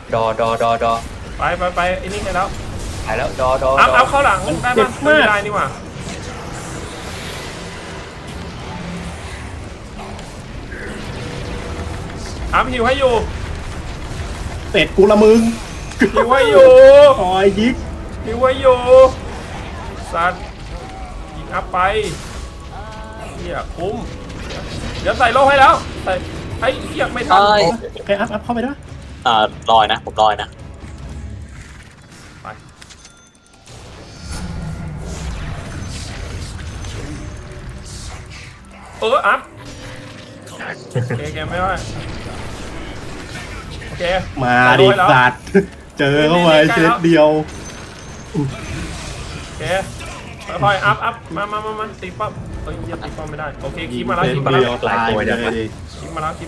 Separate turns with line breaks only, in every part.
ดอ
ไปไอ้นี่ให้แล้ว
หายแล้วดอ
อัพเข้าหลังได้ปะไม่ได้นี่หว่าอัพหิวให้อยู่
เสร็จกูละมึง
หิวให้อยู่
คอยยิก
หิวให้อยู่สัตว์ยิงอัพไปเฮียคุ้มเดี๋ยวใส่โล่ให้แล้วใส่ไอ้เฮียไม่ทัน
โอเคอัพเข้าไปด้วย
ลอยนะผมลอยนะ
ไปอัพโอเคไม่ว่าโอเค
มาดิสัตว์เจอเข้าไปเซตเดียว
โอเคค่อยๆอัพมาตีปั๊บเฮ้ยยังตีปั๊บไม่ได้โอเคคีบมาแล้ว
เซต
คีบมา
เดี
แล้
ยว วตายเลยดิ
คีบมาแล้ว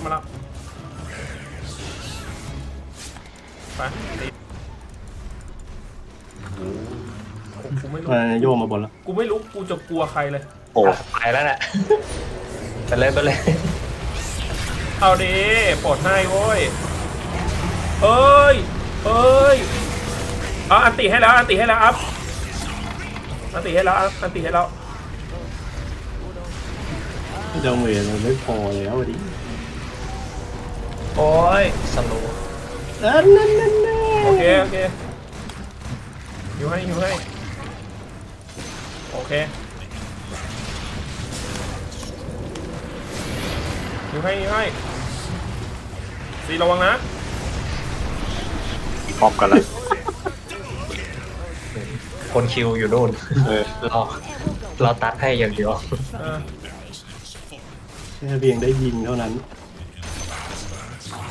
ไปตีกูไม่รู้
มาโยมมาบนแล้ว
กูไม่รู้กูจะกลัวใครเลย
โอ้
ไปแล้วน่ะไปเลย
เอาดิปลดให้โว้ยเอ้ยเอาอันติให้แล้วอัพอันติให้แล้ว
เจ้าเวรมันไม่พอแล้วดิ
โอ้ยสโลว์
นั่น
โอเคหิวให้โอเคหิวให้สีระวังนะ
พร้อมกันแล้ว
คนคิวอยู่นู่นเราตัดให้อย่างเดียว
เออ
แค่เพียงได้ยิงเท่านั้น